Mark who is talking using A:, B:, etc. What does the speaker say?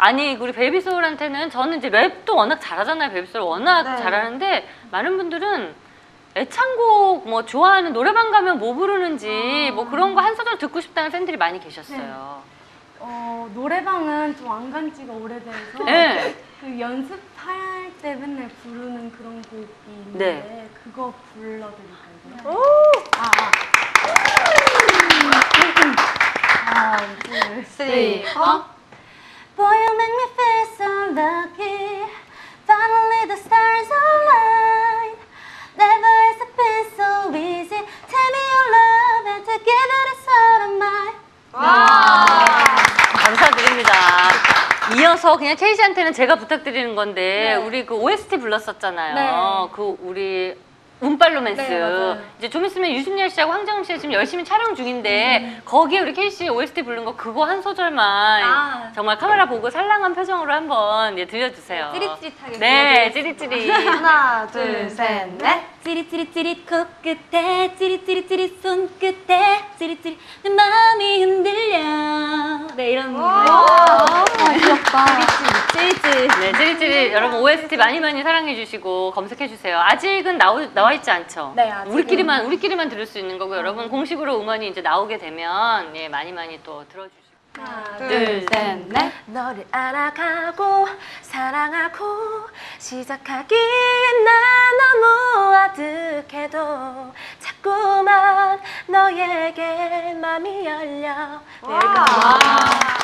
A: 아니 우리 베이비소울한테는 저는 이제 랩도 워낙 잘하잖아요. 베이비소울 워낙
B: 네.
A: 잘하는데 많은 분들은 애창곡 뭐 좋아하는 노래방 가면 뭐 부르는지 뭐 그런 거 한 소절 듣고 싶다는 팬들이 많이 계셨어요.
B: 노래방은 좀 안 간 지가 오래돼서
A: 네.
B: 그 연습할 때 맨날 부르는 그런 곡이 있는데
A: 네.
B: 그거 불러드릴까요? 하나, 둘, 셋. Boy, you make me feel so lucky. Finally the stars align. Never has it been so easy. Tell me your love and together it's all of mine.
A: 감사드립니다. 이어서 그냥 케이 씨한테는 제가 부탁드리는 건데
B: 네.
A: 우리 그 OST 불렀었잖아요.
B: 네.
A: 그 우리 운빨로맨스.
B: 네, 맞아요.
A: 이제 좀 있으면 유승열 씨하고 황정음 씨가 지금 열심히 촬영 중인데 거기에 우리 케이 씨 OST 부른 거 그거 한 소절만 정말 카메라 보고 살랑한 표정으로 한번 들려주세요.
B: 찌릿찌릿하게.
A: 네, 찌릿찌릿.
B: 하나, 둘, 셋, 넷. 찌릿찌릿찌릿 코끝에 찌릿찌릿찌릿 손끝에 찌릿찌릿 내 마음이 흔들려. 네, 이런 귀엽다. 찌릿찌릿.
A: 네, 찌릿찌릿. 여러분 OST 많이 사랑해 주시고 검색해 주세요. 아직은 나와 있지 않죠?
B: 네, 아직은.
A: 우리끼리만 들을 수 있는 거고 여러분 공식으로 음원이 이제 나오게 되면 예, 많이 또 들어주시고.
B: 하나,
A: 둘, 셋,
B: 넷. 너를 알아가고 사랑하고 시작하기엔 난 너무 아득해도 자꾸만 너에게 맘이 열려. 네, 이렇게.